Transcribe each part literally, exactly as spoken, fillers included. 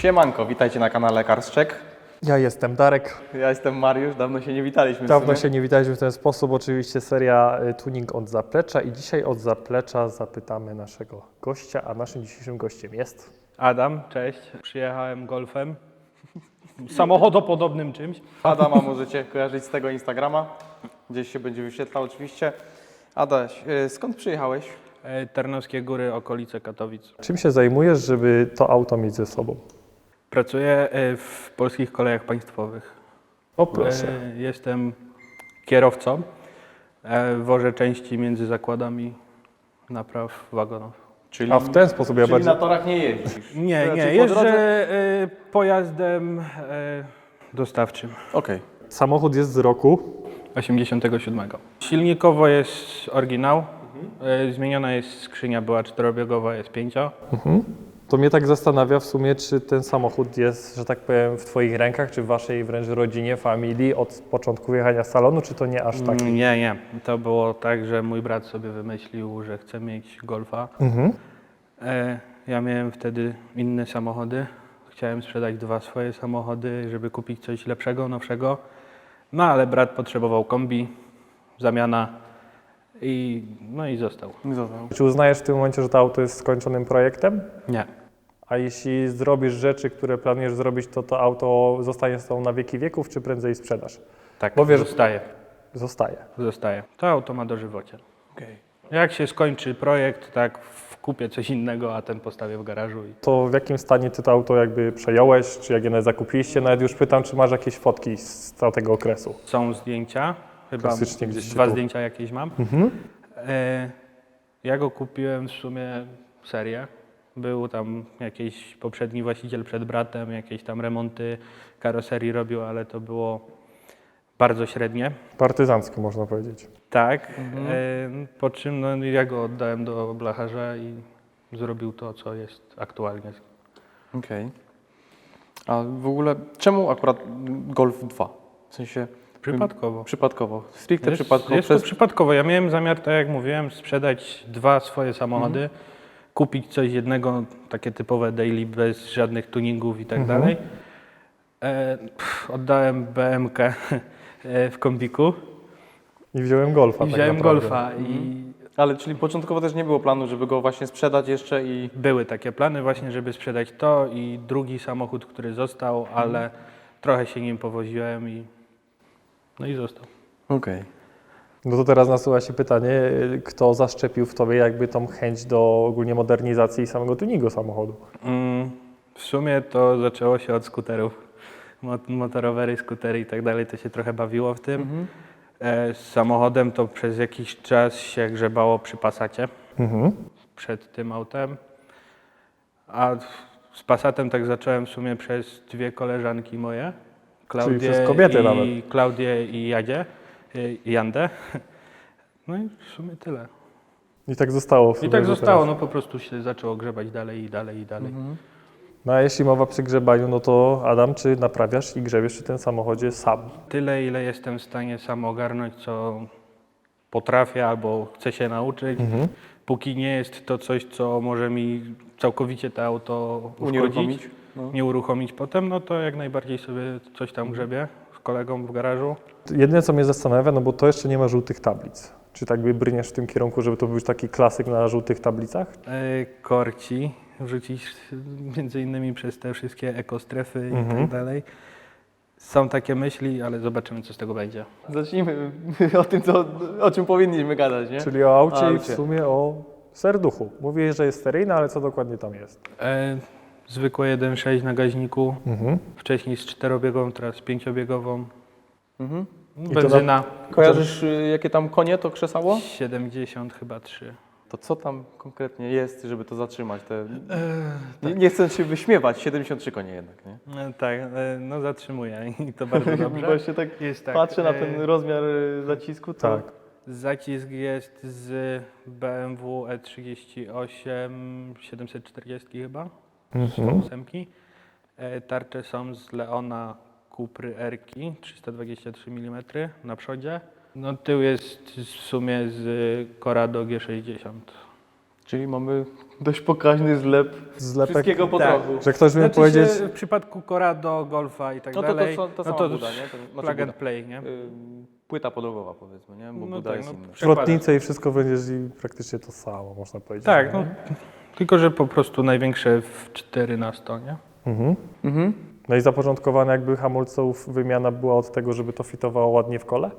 Siemanko, witajcie na kanale Carscheck. Ja jestem Darek. Ja jestem Mariusz, dawno się nie witaliśmy. Dawno się nie witaliśmy w ten sposób. Oczywiście seria y, Tuning od zaplecza i dzisiaj od zaplecza zapytamy naszego gościa, a naszym dzisiejszym gościem jest... Adam, cześć. Przyjechałem golfem, samochodopodobnym czymś. Adama możecie kojarzyć z tego Instagrama, gdzieś się będzie wyświetlał oczywiście. Adaś, y, skąd przyjechałeś? E, Tarnowskie Góry, okolice Katowic. Czym się zajmujesz, żeby to auto mieć ze sobą? Pracuję e, w Polskich Kolejach Państwowych. O proszę. E, Jestem kierowcą. E, Wożę części między zakładami napraw wagonów. Czyli, A w ten sposób ja czyli bardziej... na torach nie jeździsz? Nie, Raczej nie, po jeżdżę drodze? e, pojazdem e, dostawczym. Okej. Samochód jest z roku. osiemdziesiątego siódmego. Silnikowo jest oryginał. E, Zmieniona jest skrzynia, była czterobiegowa, jest pięcio. Mhm. To mnie tak zastanawia w sumie, czy ten samochód jest, że tak powiem, w Twoich rękach, czy w Waszej wręcz rodzinie, familii od początku jechania z salonu, czy to nie aż tak? Mm, Nie, nie. To było tak, że mój brat sobie wymyślił, że chce mieć Golfa. Mhm. E, ja miałem wtedy inne samochody. Chciałem sprzedać dwa swoje samochody, żeby kupić coś lepszego, nowszego. No ale brat potrzebował kombi, zamiana i no i został. Został. Czy uznajesz w tym momencie, że to auto jest skończonym projektem? Nie. A jeśli zrobisz rzeczy, które planujesz zrobić, to to auto zostanie z tobą na wieki wieków, czy prędzej sprzedasz? Tak, Bo wiesz- zostaje. Zostaje. Zostaje. To auto ma dożywocie. Okej. Jak się skończy projekt, tak kupię coś innego, a ten postawię w garażu. I... To w jakim stanie ty to auto jakby przejąłeś, czy jak je nawet zakupiliście? Nawet już pytam, czy masz jakieś fotki z tego okresu? Są zdjęcia, chyba Klasycznie gdzieś się dwa tu- zdjęcia jakieś mam. Mhm. E, ja go kupiłem w sumie serię. Był tam jakiś poprzedni właściciel przed bratem, jakieś tam remonty karoserii robił, ale to było bardzo średnie. Partyzancko można powiedzieć. Tak, e, po czym no, ja go oddałem do blacharza i zrobił to, co jest aktualnie. Okej. A w ogóle czemu akurat Golf dwa? W sensie Przypadkowo. przypadkowo, stricte Jest, przypadkowo. jest przez... to przypadkowo. Ja miałem zamiar, tak jak mówiłem, sprzedać dwa swoje samochody, Mhm. kupić coś jednego, takie typowe daily, bez żadnych tuningów i tak Mhm. dalej. E, pff, oddałem B M K e, w kombiku I wziąłem Golfa. i tak wziąłem naprawdę. Golfa. I Ale czyli początkowo też nie było planu, żeby go właśnie sprzedać jeszcze i... były takie plany właśnie, żeby sprzedać to i drugi samochód, który został, Mhm. ale trochę się nim powoziłem i no i został. Okej. No to teraz nasuwa się pytanie, kto zaszczepił w tobie jakby tą chęć do ogólnie modernizacji samego tuningu samochodu? Mm, w sumie to zaczęło się od skuterów. Mot- Motorowery, skutery i tak dalej, to się trochę bawiło w tym. Mhm. E, z samochodem to przez jakiś czas się grzebało przy Passacie, Mhm. przed tym autem. A z Passatem tak zacząłem w sumie przez dwie koleżanki moje. Klaudię przez kobiety i, nawet. Klaudię i Jadzie, y, Jandę. No i w sumie tyle. I tak zostało. w I sumie tak do zostało, teraz. no po prostu się zaczęło grzebać dalej i dalej i dalej. Mhm. No a jeśli mowa przy grzebaniu, no to Adam, czy naprawiasz i grzebiesz przy tym samochodzie sam? Tyle, ile jestem w stanie sam ogarnąć, co potrafię albo chcę się nauczyć. Mhm. Póki nie jest to coś, co może mi całkowicie to auto uszkodzić, Unieruchomić? No. nie uruchomić potem, no to jak najbardziej sobie coś tam grzebię z kolegą w garażu. Jedyne, co mnie zastanawia, no bo to jeszcze nie ma żółtych tablic. Czy tak by brniesz w tym kierunku, żeby to był taki klasyk na żółtych tablicach? E, korci wrzucić między innymi przez te wszystkie ekostrefy i Mhm. tak dalej. Są takie myśli, ale zobaczymy, co z tego będzie. Zacznijmy o tym, co, o czym powinniśmy gadać, nie? Czyli o aucie O i w aucie. sumie o serduchu. Mówię, że jest seryjna, ale co dokładnie tam jest? E, zwykłe jeden przecinek sześć na gaźniku, Mhm. wcześniej z czterobiegową, teraz z pięciobiegową. Mhm. to Benzyna Kojarzysz, y, jakie tam konie to krzesało? siedemdziesiąt chyba trzy. To co tam konkretnie jest, żeby to zatrzymać? Te... Nie, nie chcę się wyśmiewać, siedemdziesiąt trzy konie jednak, nie? E, tak, e, no zatrzymuję i to bardzo dobrze. Właśnie tak Jest tak, patrzę na e, ten rozmiar y, zacisku, to... Tak. Zacisk jest z B M W E trzydzieści osiem siedemset czterdzieści chyba, Mhm. ósemki. E, Tarcze są z Leona Cupry R-ki trzysta dwadzieścia trzy milimetry na przodzie. No tył jest w sumie z Corrado G sześćdziesiąt. Czyli mamy dość pokaźny zlep Zlepek, wszystkiego po tak. trochu. że ktoś mi Znaczy powiedzieć, się, w przypadku Corrado, Golfa i tak No to, to, dalej, to, to no sama to buda, nie? To, znaczy plug and buda. play, nie? Ym, Płyta podłogowa powiedzmy, nie? Bo No buda tak, jest no, inna. zwrotnicę i wszystko będziesz i praktycznie to samo, można powiedzieć. Tak, nie? no, tylko że po prostu największe w cztery na sto, nie? Mhm. Mhm. No i zapoczątkowana jakby hamulców wymiana była od tego, żeby to fitowało ładnie w kole?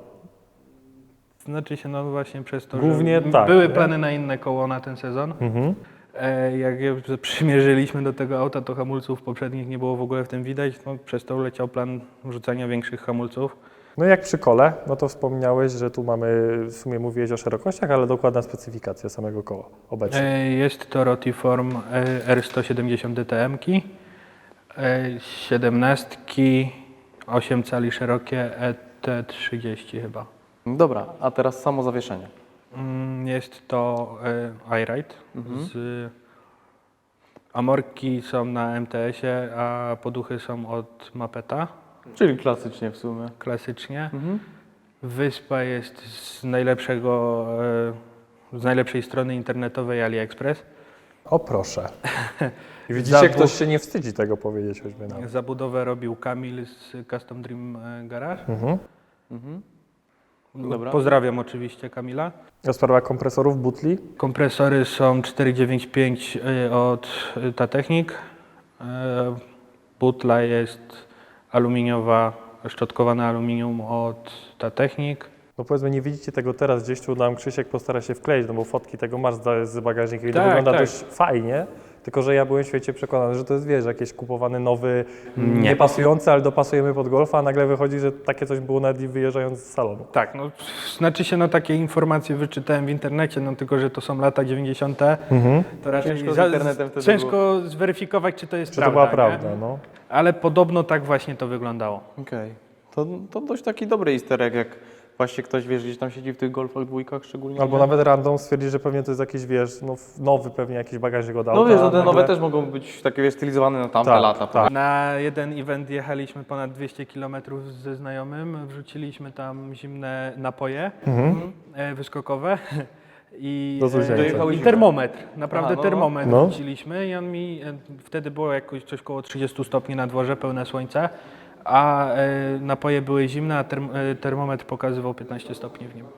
Znaczy się, no właśnie przez to, Głównie że tak, były nie? plany na inne koło na ten sezon. Mhm. E, jak je przymierzyliśmy do tego auta, to hamulców poprzednich nie było w ogóle w tym widać, no, przez to leciał plan wrzucania większych hamulców. No i jak przy kole, no to wspomniałeś, że tu mamy, w sumie mówiłeś o szerokościach, ale dokładna specyfikacja samego koła obecnie. E, jest to Rotiform e, R sto siedemdziesiąt D T M-ki, e, siedemnastki, osiem cali szerokie, E T trzydzieści chyba. Dobra, a teraz samo zawieszenie. Mm, Jest to e, iRide. Z Amorki są na M T S-ie, a poduchy są od Mapeta, Czyli klasycznie w sumie. klasycznie. Mhm. Wyspa jest z najlepszego, e, z najlepszej strony internetowej AliExpress. O proszę. I widzicie, Zabu- ktoś się nie wstydzi tego powiedzieć choćby nawet. Zabudowę robił Kamil z Custom Dream e, Garage. Mhm. Mhm. Dobra. Pozdrawiam oczywiście Kamila. A sprawa kompresorów, butli? Kompresory są cztery dziewięć pięć y, od y, Tatechnik. Y, Butla jest aluminiowa, szczotkowane aluminium od Tatechnik. No powiedzmy, nie widzicie tego teraz, gdzieś tu nam Krzysiek postara się wkleić, no bo fotki tego masz z, z bagażnika i to Tak, wygląda tak. dość fajnie, tylko że ja byłem w świecie przekonany, że to jest, wiesz, jakiś kupowany nowy, Nie. niepasujący, ale dopasujemy pod Golfa, a nagle wychodzi, że takie coś było nawet i wyjeżdżając z salonu. Tak, no znaczy się, no takie informacje wyczytałem w internecie, no tylko, że to są lata dziewięćdziesiąte. To raczej Ciężko z za- internetem wtedy ciężko zweryfikować, czy to jest Czy to prawda. była nie? prawda, no? Ale podobno tak właśnie to wyglądało. Okej. To, to dość taki dobry easter egg, jak właśnie ktoś, wiesz, gdzieś tam siedzi w tych golfach dwójkach szczególnie. Albo nie? nawet random stwierdzi, że pewnie to jest jakiś, wiesz, no, nowy pewnie jakiś bagażnik od auta. No wiesz, no a te nagle- nowe też mogą być takie, wiesz, stylizowane na tamte Tak, lata. tak. Na jeden event jechaliśmy ponad dwieście kilometrów ze znajomym, wrzuciliśmy tam zimne napoje Mhm. e, wyskokowe i, Do zuzięcia. e, i termometr, naprawdę Aha, no, no. termometr No. wrzuciliśmy i on mi, e, wtedy było jakoś coś koło trzydzieści stopni na dworze, pełne słońce, a e, napoje były zimne, a term, e, termometr pokazywał piętnaście stopni w nim.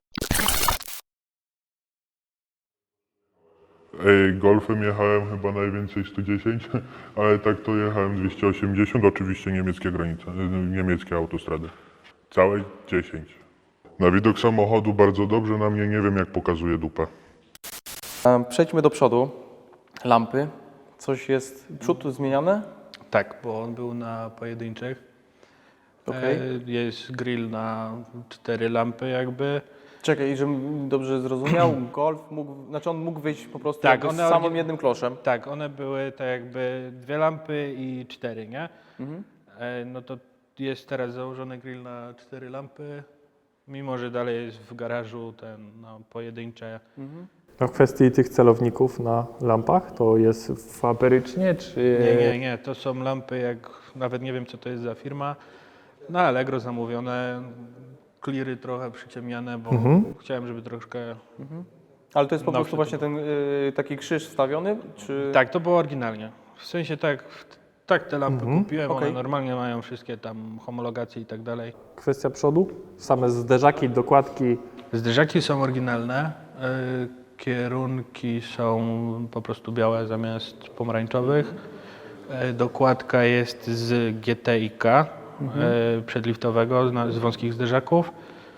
Ej, Golfem jechałem chyba najwięcej sto dziesięć, ale tak to jechałem dwieście osiemdziesiąt, oczywiście niemieckie granice, y, niemieckie autostrady. Całe dziesięć. Na widok samochodu bardzo dobrze, na mnie nie wiem jak pokazuje dupę. Em, Przejdźmy do przodu. Lampy. Coś jest, przód zmieniane? Tak, bo on był na pojedynczych. Okej. E, jest grill na cztery lampy jakby. Czekaj, żebym dobrze zrozumiał, Golf mógł, znaczy on mógł wyjść po prostu Tak, jakby z one samym orgi- jednym kloszem. Tak, one były tak jakby dwie lampy i cztery, nie? Mhm. E, no to jest teraz założony grill na cztery lampy, mimo że dalej jest w garażu ten no, pojedyncze. No w kwestii tych celowników na lampach, to jest fabrycznie, czy... Nie, nie, nie, to są lampy jak, nawet nie wiem co to jest za firma, na Allegro zamówione, kliry trochę przyciemniane, bo chciałem, żeby troszkę... Ale to jest po No, prostu to właśnie ten y, taki krzyż wstawiony? Czy... Tak, to było oryginalnie. W sensie tak, tak te lampy kupiłem, Okej. one normalnie mają wszystkie tam homologacje i tak dalej. Kwestia przodu, same zderzaki, dokładki, Zderzaki są oryginalne, y, kierunki są po prostu białe zamiast pomarańczowych. Y, dokładka jest z G T I K y, przedliftowego, z, na- z wąskich zderzaków.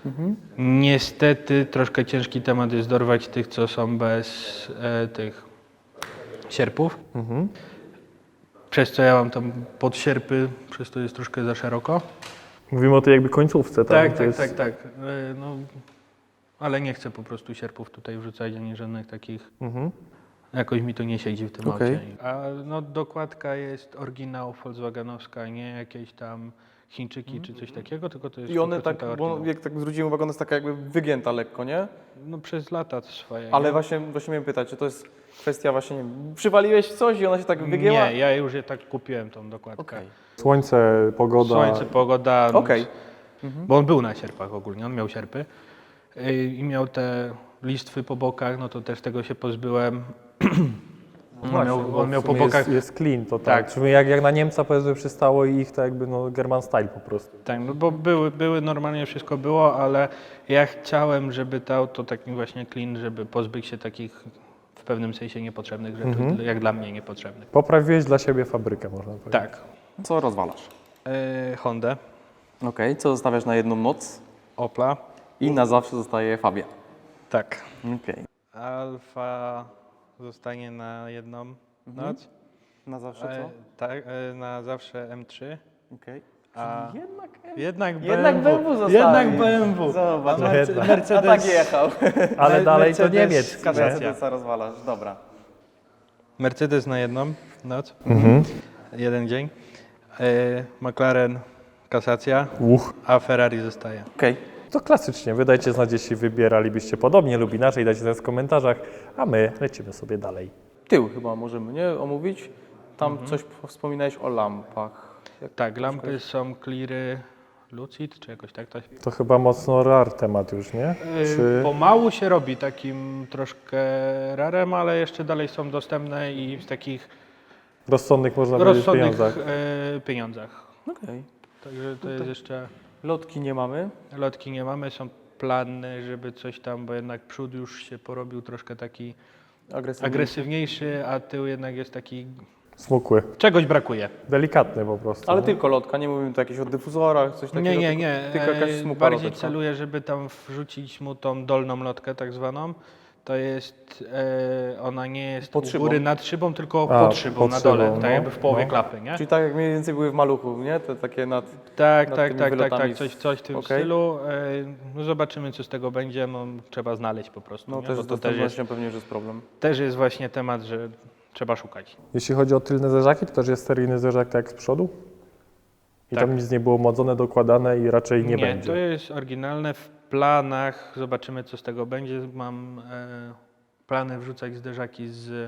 Niestety troszkę ciężki temat jest dorwać tych, co są bez y, tych sierpów. Przez co ja mam tam podsierpy, przez to jest troszkę za szeroko. mówimy o tej jakby końcówce, tak? Tak, To tak, jest... tak, tak. E, No, ale nie chcę po prostu sierpów tutaj wrzucać, ani żadnych takich. Mhm. Jakoś mi to nie siedzi w tym Okej. aucie. A no, dokładka jest oryginał Volkswagenowska, nie jakieś tam Chińczyki czy coś takiego, tylko to jest I one sto procent tak, bo oryginał. jak tak zwróciłem uwagę, ona jest taka jakby wygięta lekko, nie? No przez lata swoje. Ale nie? właśnie, właśnie miałem pytać, czy to jest kwestia właśnie, nie wiem, przywaliłeś w coś i ona się tak wygięła? Nie, ja już je tak kupiłem tą dokładkę. Okej. Słońce, pogoda. Słońce, pogoda. Okej. Bo on był na sierpach ogólnie, on miał sierpy y, i miał te listwy po bokach, no to też tego się pozbyłem. On miał, bo on w miał po sumie bokach. Jest, jest clean, to tak. Tak. Czyli jak, jak na Niemca powiedzmy przystało i ich to jakby no German style po prostu. Tak, no bo były, były, normalnie wszystko było, ale ja chciałem, żeby to auto taki właśnie clean, żeby pozbyć się takich w pewnym sensie niepotrzebnych rzeczy, Mhm. jak dla mnie niepotrzebnych. Poprawiłeś dla siebie fabrykę, można powiedzieć. Tak. Co rozwalasz? Yy, Hondę, Okej, co zostawiasz na jedną noc Opla, i na zawsze zostaje Fabia. tak. Okej. Alfa zostanie na jedną noc. Na zawsze E, co? tak, e, na zawsze M trzy. Okej. A Jednak jednak B M W. Jednak B M W zostawi. Jednak B M W. Zobacz, A Merce- jednak. Mercedes, A tak jechał. Ale Me- dalej to Mercedes Niemiec. Kasacja. nie? Mercedesa rozwalasz, dobra. Mercedes na jedną noc, Mhm. jeden dzień. E, McLaren kasacja, Uch. a Ferrari zostaje. Okej. To klasycznie, wy dajcie znać, jeśli wybieralibyście podobnie lub inaczej, dajcie znać w komentarzach, a my lecimy sobie dalej. Tył chyba możemy, nie? Omówić. Tam coś wspominałeś o lampach. Jak Tak, lampy są Cleary Lucid, czy jakoś tak to się... To chyba mocno rar temat już, nie? Czy... Pomału się robi takim troszkę rarem, ale jeszcze dalej są dostępne i w takich Rozsądnych można powiedzieć w rozsądnych pieniądzach. e, pieniądzach. Okej. Także to jest jeszcze... Lotki nie mamy. Lotki nie mamy, są plany, żeby coś tam, bo jednak przód już się porobił troszkę taki Agresywnie. agresywniejszy, a tył jednak jest taki... Smukły. Czegoś brakuje. Delikatny po prostu. Ale nie? tylko lotka, nie mówimy tu jakichś o dyfuzorach, coś takiego. Nie, nie, tylko- nie. Tylko jakaś E, smukła Bardziej loteczka. celuję, żeby tam wrzucić mu tą dolną lotkę tak zwaną. To jest, e, ona nie jest Pod u szybą. góry nad szybą, tylko A, pod szybą, pod na dole, szybą, tak no. jakby w połowie No. klapy, nie? Czyli tak jak mniej więcej były w Maluchu, nie? Te takie nad... Tak, nad tak, tymi tak, tak, wylotami tak, coś, coś w tym Okej. stylu. E, no zobaczymy, co z tego będzie, no trzeba znaleźć po prostu, No nie? też Bo z to też jest, dostępnością pewnie, że jest problem. też jest właśnie temat, że trzeba szukać. Jeśli chodzi o tylne zderzaki, to też jest seryjny zderzak tak jak z przodu? I Tak. tam nic nie było modzone, dokładane i raczej nie, Nie, będzie. to jest oryginalne w planach, zobaczymy, co z tego będzie. Mam e, plany wrzucać zderzaki z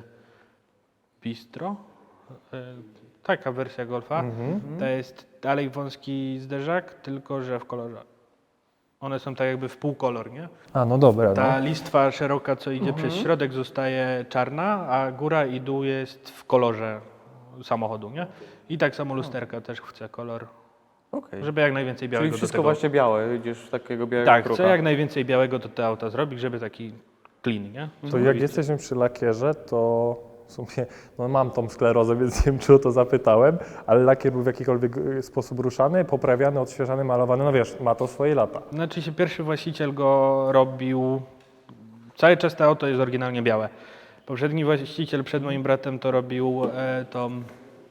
Bistro. E, taka wersja Golfa. Mhm. To jest dalej wąski zderzak, tylko że w kolorze. One są tak jakby w półkolor, nie? A, no dobra. Ta No. listwa szeroka, co idzie przez środek, zostaje czarna, a góra i dół jest w kolorze samochodu, nie? I tak samo lusterka też chce kolor, Okej. żeby jak najwięcej białego Czyli do wszystko tego. właśnie białe, idziesz w takiego białego Tak, kruka. chcę jak najwięcej białego do te auta zrobić, żeby taki clean, nie? To jak jesteśmy przy lakierze, to w sumie no mam tą sklerozę, więc nie wiem, czy o to zapytałem, ale lakier był w jakikolwiek y, sposób ruszany, poprawiany, odświeżany, malowany, no wiesz, ma to swoje lata. Znaczy się pierwszy właściciel go robił, cały czas to auto jest oryginalnie białe. Poprzedni właściciel przed moim bratem to robił, e, to mm,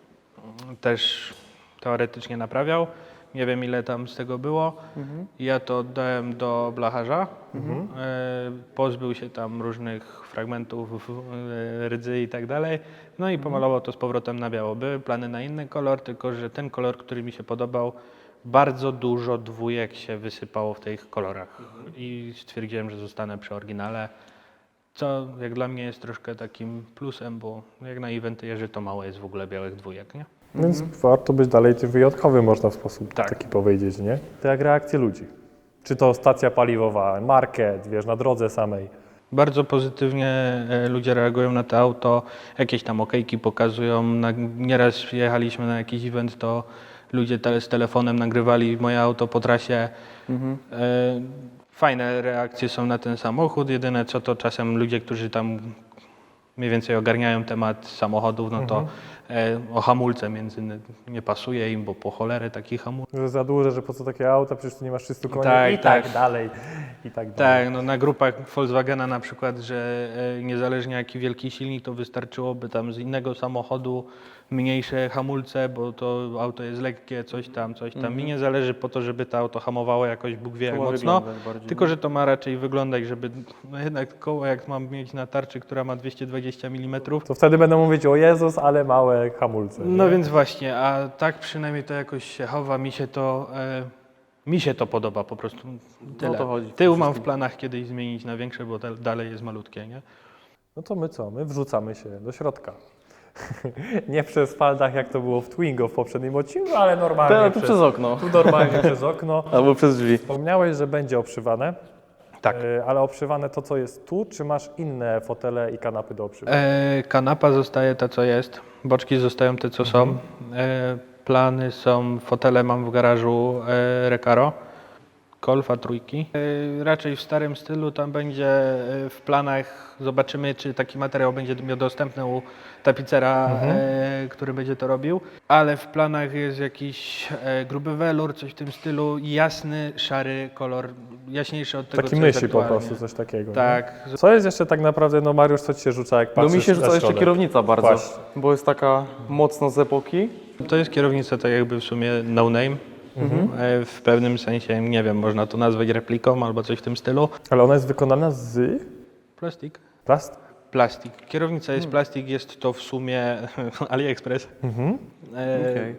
też teoretycznie naprawiał. Nie wiem ile tam z tego było. Ja to oddałem do blacharza. E, pozbył się tam różnych fragmentów, e, rdzy i tak dalej. No i pomalował to z powrotem na biało. Były plany na inny kolor, tylko że ten kolor, który mi się podobał, bardzo dużo dwójek się wysypało w tych kolorach. I stwierdziłem, że zostanę przy oryginale. Co jak dla mnie jest troszkę takim plusem, bo jak na eventy jeżdżę, to mało jest w ogóle białych dwójek, nie? Więc warto być dalej tym wyjątkowym, można w sposób Tak. taki powiedzieć, nie? To jak reakcje ludzi. Czy to stacja paliwowa, market, wiesz, na drodze samej. Bardzo pozytywnie e, ludzie reagują na to auto, jakieś tam okejki pokazują. Na, nieraz jechaliśmy na jakiś event, to ludzie te, z telefonem nagrywali moje auto po trasie. E, fajne reakcje są na ten samochód, jedyne co to czasem ludzie, którzy tam mniej więcej ogarniają temat samochodów, no to e, o hamulce między innymi nie pasuje im, bo po cholerę taki hamulec. Że za duże, że po co takie auta, przecież tu nie masz trzystu koni Tak, i tak, tak. dalej. I tak dalej. Tak, no na grupach Volkswagena na przykład, że e, niezależnie jaki wielki silnik, to wystarczyłoby tam z innego samochodu mniejsze hamulce, bo to auto jest lekkie, coś tam, coś tam. Mi nie zależy po to, żeby to auto hamowało jakoś Bóg wie jak To ma mocno, wyglądać bardziej, tylko no. że to ma raczej wyglądać, żeby no jednak koło jak mam mieć na tarczy, która ma dwieście dwadzieścia milimetrów. To wtedy będą mówić, o Jezus, ale małe hamulce. No nie? więc właśnie, a tak przynajmniej to jakoś się chowa, mi się to... E, mi się to podoba po prostu. Tyle. to chodzi w tym Tył mam w wszystkim. planach kiedyś zmienić na większe, bo da- dalej jest malutkie, nie? No to my co? My wrzucamy się do środka. Nie przez faldach, jak to było w Twingo w poprzednim odcinku, ale normalnie To, tu przez okno. tu normalnie przez okno. Albo przez drzwi. Wspomniałeś, że będzie obszywane. Tak. E, ale obszywane to, co jest tu, czy masz inne fotele i kanapy do obszywania? E, kanapa zostaje ta, co jest. Boczki zostają te, co są. E, plany są, fotele mam w garażu e, Recaro. Golfa trójki. E, raczej w starym stylu, tam będzie e, w planach, zobaczymy, czy taki materiał będzie miał dostępny u tapicera, e, który będzie to robił, ale w planach jest jakiś e, gruby welur, coś w tym stylu, jasny, szary kolor, jaśniejszy od tego, Taki co jest myśli po aktualnie. prostu, coś takiego. nie? Tak. Co jest jeszcze tak naprawdę, no Mariusz, co ci się rzuca, jak No patrzysz mi się na rzuca jeszcze środek? kierownica bardzo, Właśnie. bo jest taka mocno z epoki. To jest kierownica tak jakby w sumie no name. E, W pewnym sensie, nie wiem, można to nazwać repliką albo coś w tym stylu. Ale ona jest wykonana z Plastik. plast? Plastik. Kierownica jest plastik, jest to w sumie AliExpress. E, Okej.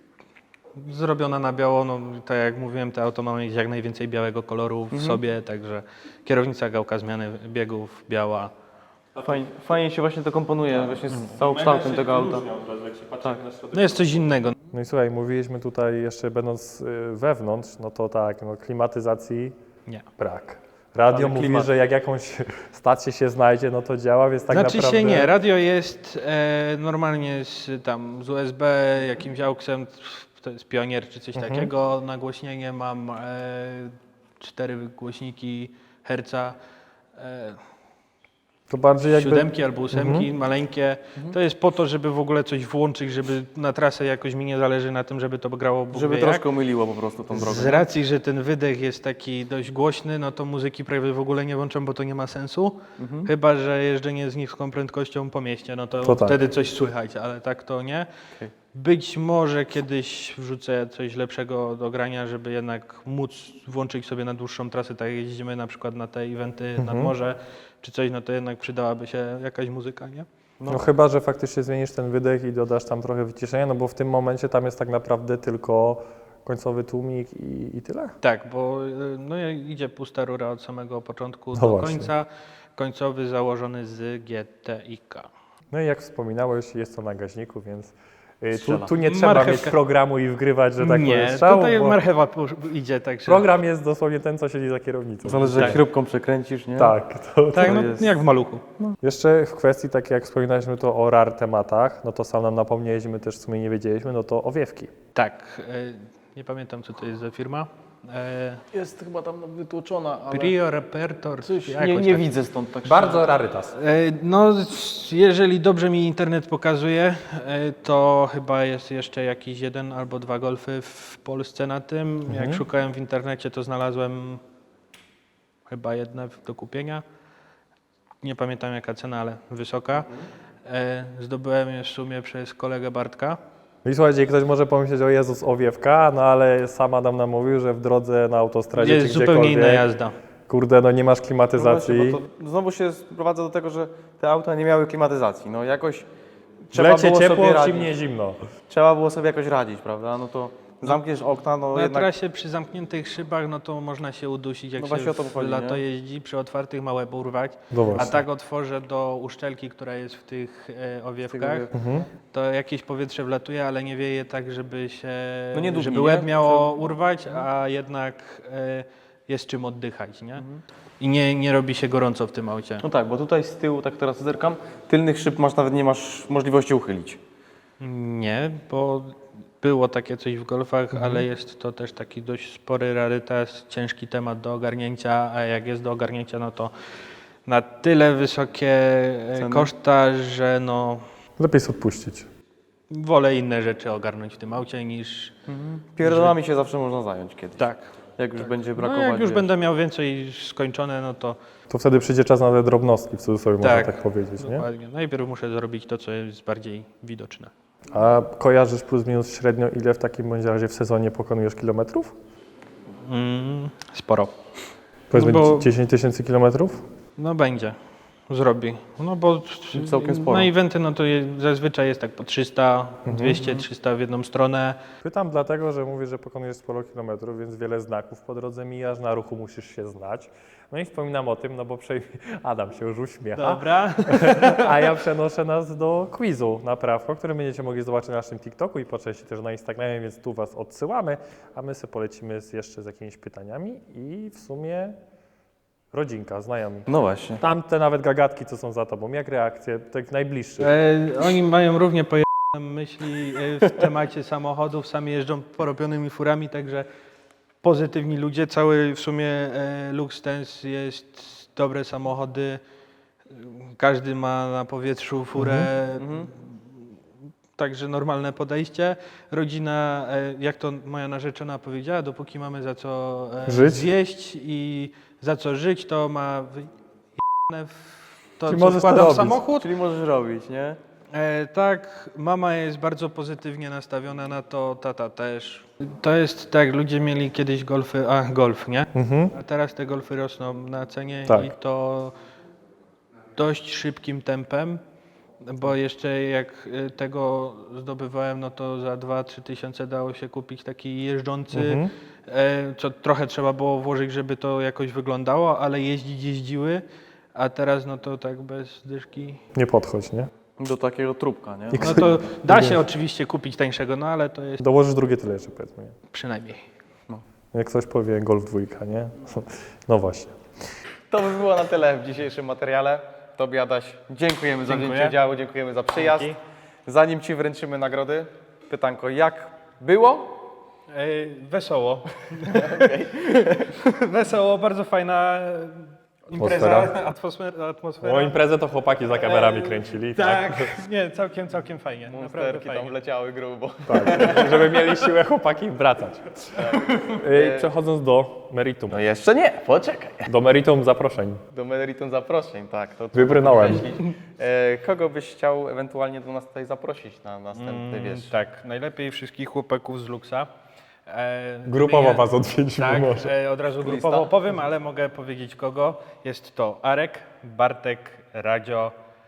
Zrobiona na biało, no tak jak mówiłem, te auto ma mieć jak najwięcej białego koloru w sobie, także kierownica, gałka zmiany biegów, biała. Fajnie, fajnie się właśnie to komponuje właśnie z całokształtem tego auta. Tak. No jest coś innego. No i słuchaj, mówiliśmy tutaj jeszcze będąc y, wewnątrz, no to tak, no klimatyzacji Nie. brak. Radio Ale mówi, klimat. że jak jakąś stację się znajdzie, no to działa, więc tak znaczy naprawdę... się nie, radio jest e, normalnie z, tam, z U S B, jakimś auksem, to jest Pionier czy coś takiego, nagłośnienie mam e, cztery głośniki herca, e, To bardziej jakby... siódemki albo ósemki, maleńkie. To jest po to, żeby w ogóle coś włączyć, żeby na trasę jakoś mi nie zależy na tym, żeby to grało Bóg Żeby wie jak. troszkę umyliło po prostu tą drogę. Z racji, że ten wydech jest taki dość głośny, no to muzyki prawie w ogóle nie włączam, bo to nie ma sensu. Chyba że jeżdżenie z niską prędkością po mieście, no to, To tak. wtedy coś słychać, ale tak to nie. Okej. Być może kiedyś wrzucę coś lepszego do grania, żeby jednak móc włączyć sobie na dłuższą trasę, tak jak jeździmy na przykład na te eventy nad morze, czy coś, no to jednak przydałaby się jakaś muzyka, nie? No chyba, że faktycznie zmienisz ten wydech i dodasz tam trochę wyciszenia, no bo w tym momencie tam jest tak naprawdę tylko końcowy tłumik i, i tyle. Tak, bo y, no, idzie pusta rura od samego początku No do właśnie. końca. Końcowy założony z G T I K. No i jak wspominałeś, jest to na gaźniku, więc y, tu, Strzela. tu nie trzeba Marchewka. mieć programu i wgrywać, że tak Nie, powiem, strzał, tutaj bo marchewa pu- idzie, także... program jest dosłownie ten, co siedzi za kierownicą. Zależy jak Tak. śrubką przekręcisz, nie? Tak, to, Tak, to no jest- jak w maluchu. Jeszcze w kwestii, tak jak wspominaliśmy to o R A R tematach, no to sam nam napomnieliśmy, też w sumie nie wiedzieliśmy, no to owiewki. Tak, e, nie pamiętam co to jest za firma. E, Jest chyba tam wytłoczona, ale Prio Repertor, coś jakoś nie, nie tak. widzę stąd tak Bardzo rarytas. E, No, s- jeżeli dobrze mi internet pokazuje, e, to chyba jest jeszcze jakiś jeden albo dwa golfy w Polsce na tym. Jak szukałem w internecie, to znalazłem chyba jedne do kupienia. Nie pamiętam jaka cena, ale wysoka. E, Zdobyłem je w sumie przez kolegę Bartka. No i słuchajcie, ktoś może pomyśleć, o Jezus, owiewka, no ale sam Adam nam mówił, że w drodze na autostradzie Jest czy zupełnie inna gdziekolwiek, jazda. kurde, no nie masz No klimatyzacji. właśnie, bo to znowu się sprowadza do tego, że te auta nie miały klimatyzacji. No jakoś trzeba Lecie było ciepło, sobie w radzić. zimnie zimno. Trzeba było sobie jakoś radzić, prawda? No to zamkniesz okna, no Na jednak... trasie przy zamkniętych szybach, no to można się udusić, jak No się właśnie o to w chodzi, lato nie? jeździ, przy otwartych ma łeb urwać. No A właśnie. tak otworzę do uszczelki, która jest w tych e, owiewkach, owiewkach. to jakieś powietrze wlatuje, ale nie wieje tak, żeby się, No nie dudni, żeby nie? łeb miało urwać, a jednak e, jest czym oddychać, nie? I nie, nie robi się gorąco w tym aucie. No tak, bo tutaj z tyłu, tak teraz zerkam, tylnych szyb masz nawet nie masz możliwości uchylić. Nie, bo było takie coś w golfach, Mhm. ale jest to też taki dość spory rarytas, ciężki temat do ogarnięcia, a jak jest do ogarnięcia, no to na tyle wysokie e, Ceny? koszta, że no Lepiej jest odpuścić. wolę inne rzeczy ogarnąć w tym aucie niż Pierdolami się zawsze można zająć kiedyś. tak. Jak już będzie No brakować. jak już wiesz. będę miał więcej skończone, no to To wtedy przyjdzie czas na te drobnostki, w cudzysłowie można Tak. tak powiedzieć, nie? dokładnie. Najpierw muszę zrobić to, co jest bardziej widoczne. A kojarzysz plus minus średnio, ile w takim bądź razie w sezonie pokonujesz kilometrów? Mm, sporo. Powiedzmy No bo- dziesięć tysięcy kilometrów? No będzie, zrobi. No bo Całkiem sporo. na eventy no to je, zazwyczaj jest tak po trzysta, dwieście, trzysta w jedną stronę. Pytam dlatego, że mówisz, że pokonujesz sporo kilometrów, więc wiele znaków po drodze mijasz, na ruchu musisz się znać. No i wspominam o tym, no bo przejmie... Adam się już uśmiecha, Dobra. a ja przenoszę nas do quizu na prawko, który będziecie mogli zobaczyć na naszym TikToku i po części też na Instagramie, więc tu Was odsyłamy, a my sobie polecimy z, jeszcze z jakimiś pytaniami i w sumie rodzinka, znajomi. No właśnie. Tamte nawet gagatki, co są za tobą, jak reakcje, tak najbliższych? E, oni mają równie pojemne myśli e, w temacie samochodów, sami jeżdżą porobionymi furami, także pozytywni ludzie. Cały w sumie e, Luxtens jest dobre samochody, każdy ma na powietrzu furę, także normalne podejście. Rodzina, e, jak to moja narzeczona powiedziała, dopóki mamy za co e, Żyć? zjeść i za co żyć, to ma wyjebane w to, Czyli co możesz to wkłada w robić. samochód. Czyli możesz robić, nie? E, tak, mama jest bardzo pozytywnie nastawiona na to, tata też. To jest tak, ludzie mieli kiedyś golfy, a golf, nie? Mhm. A teraz te golfy rosną na cenie Tak. i to dość szybkim tempem, bo jeszcze jak y, tego zdobywałem, no to za dwa trzy tysiące dało się kupić taki jeżdżący, Mhm. e, co trochę trzeba było włożyć, żeby to jakoś wyglądało, ale jeździć jeździły, a teraz no to tak bez dyszki. Nie podchodź, nie? Do takiego trupka, nie? No to da się oczywiście kupić tańszego, no ale to jest Dołożysz drugie tyle jeszcze, powiedzmy. Nie? przynajmniej. Jak ktoś powie Golf dwójka, nie? No właśnie. To by było na tyle w dzisiejszym materiale. Tobie, Adaś, dziękujemy za Dziękuję. wzięcie udziału, dziękujemy za przyjazd. Dzięki. Zanim Ci wręczymy nagrody, pytanko, jak było? E, wesoło. Wesoło, bardzo fajna impreza, Atmosfera. atmosfera. atmosfera. O imprezę to chłopaki za kamerami kręcili. Tak, nie, całkiem, całkiem fajnie. Naprawdę Monsterki tam fajnie. wleciały grubo. Tak, żeby mieli siłę chłopaki wracać. Yy, Przechodząc do meritum. No jeszcze nie, poczekaj. Do meritum zaproszeń. Do meritum zaproszeń, tak. To Wybrnąłem. e, kogo byś chciał ewentualnie do nas tutaj zaprosić na następny, Mm, wiesz? tak, najlepiej wszystkich chłopaków z Luxa. E, Grupowo wymienię- was odwiedzimy Tak, może. e, od razu Lista? grupowo powiem, ale mogę powiedzieć kogo. Jest to Arek, Bartek, Radzio,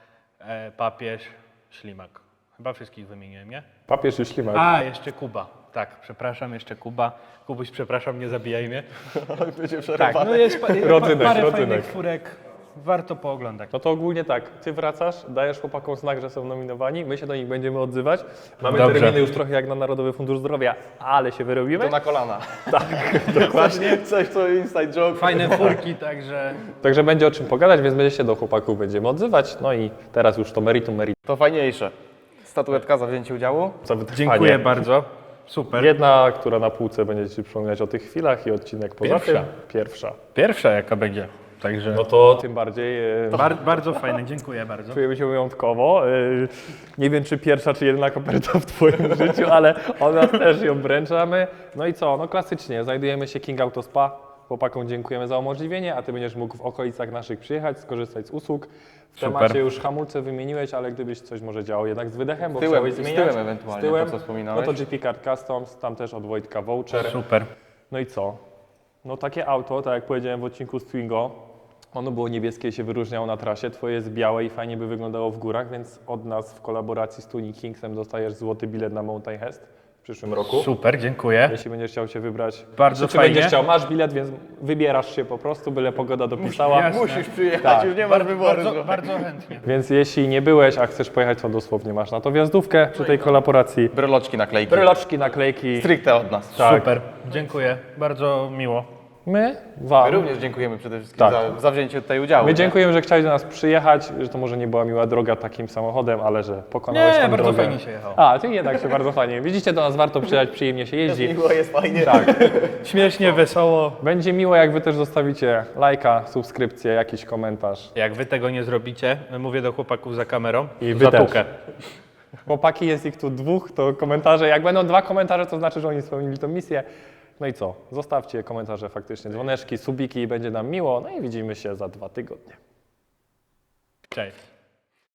e, Papież, Ślimak. Chyba wszystkich wymieniłem, nie? Papież i ślimak. A, jeszcze Kuba. Tak, przepraszam, jeszcze Kuba. Kubuś, przepraszam, nie zabijaj mnie. Będzie Tak, przerwane. no jest pa, Rodzynek, parę rodzynek. fajnych furek. Warto pooglądać. No to ogólnie tak, ty wracasz, dajesz chłopakom znak, że są nominowani, my się do nich będziemy odzywać. Mamy Dobrze. terminy już trochę jak na Narodowy Fundusz Zdrowia, ale się wyrobimy. To na kolana. Tak, dokładnie. Coś, co inside joke. Fajne furki, także Także będzie o czym pogadać, więc będzie się do chłopaków będziemy odzywać. No i teraz już to meritum, meritum. To fajniejsze. Statuetka za wzięcie udziału. Za wytrwanie. dziękuję bardzo. Super. Jedna, która na półce będzie Ci przypominać o tych chwilach i odcinek poza Pierwsza. tym. Pierwsza. Pierwsza jaka będzie. Także No to tym bardziej e, bar, bardzo fajne, dziękuję bardzo. czujemy się wyjątkowo. E, Nie wiem, czy pierwsza, czy jedyna koperta w Twoim życiu, ale od nas też ją wręczamy. No i co? No klasycznie, znajdujemy się King Auto Spa. Chłopakom dziękujemy za umożliwienie, a Ty będziesz mógł w okolicach naszych przyjechać, skorzystać z usług. W Super. temacie już hamulce wymieniłeś, ale gdybyś coś może działo jednak z wydechem, bo Z tyłem, chciałeś z zmieniać. tyłem ewentualnie, z tyłem, to co wspominałeś. No to G P Card Customs, tam też od Wojtka voucher. Super. No i co? No takie auto, tak jak powiedziałem w odcinku z Twingo, ono było niebieskie i się wyróżniało na trasie, twoje jest białe i fajnie by wyglądało w górach, więc od nas w kolaboracji z Tuning Kingsem dostajesz złoty bilet na Mountain Hest w przyszłym roku. Super, dziękuję. Jeśli będziesz chciał się wybrać, Bardzo czy, czy fajnie. będziesz chciał, masz bilet, więc wybierasz się po prostu, byle pogoda dopisała. jasne. Musisz przyjechać, Tak. już nie masz wyboru. Bardzo, bardzo chętnie. Więc jeśli nie byłeś, a chcesz pojechać, to dosłownie masz na to wjazdówkę przy tej kolaboracji. Bryloczki, naklejki. Bryloczki, naklejki. Stricte od nas. Tak. Super, dziękuję. Bardzo miło. My wam. My również dziękujemy przede wszystkim Tak. za, za wzięcie tutaj udziału. My nie? dziękujemy, że chciałeś do nas przyjechać, że to może nie była miła droga takim samochodem, ale że pokonałeś Nie, tę bardzo drogę. fajnie się jechało. A, ty jednak się bardzo fajnie. Widzicie, do nas warto przyjechać, przyjemnie się jeździ. Miło jest fajnie. Tak. Śmiesznie, wesoło. Będzie miło, jak wy też zostawicie lajka, subskrypcję, jakiś komentarz. Jak wy tego nie zrobicie, mówię do chłopaków za kamerą, I wy zatukę. Chłopaki, jest ich tu dwóch, to komentarze. Jak będą dwa komentarze, to znaczy, że oni spełnili tę misję. No i co? Zostawcie komentarze faktycznie, dzwoneczki, subiki, będzie nam miło. No i widzimy się za dwa tygodnie. Cześć.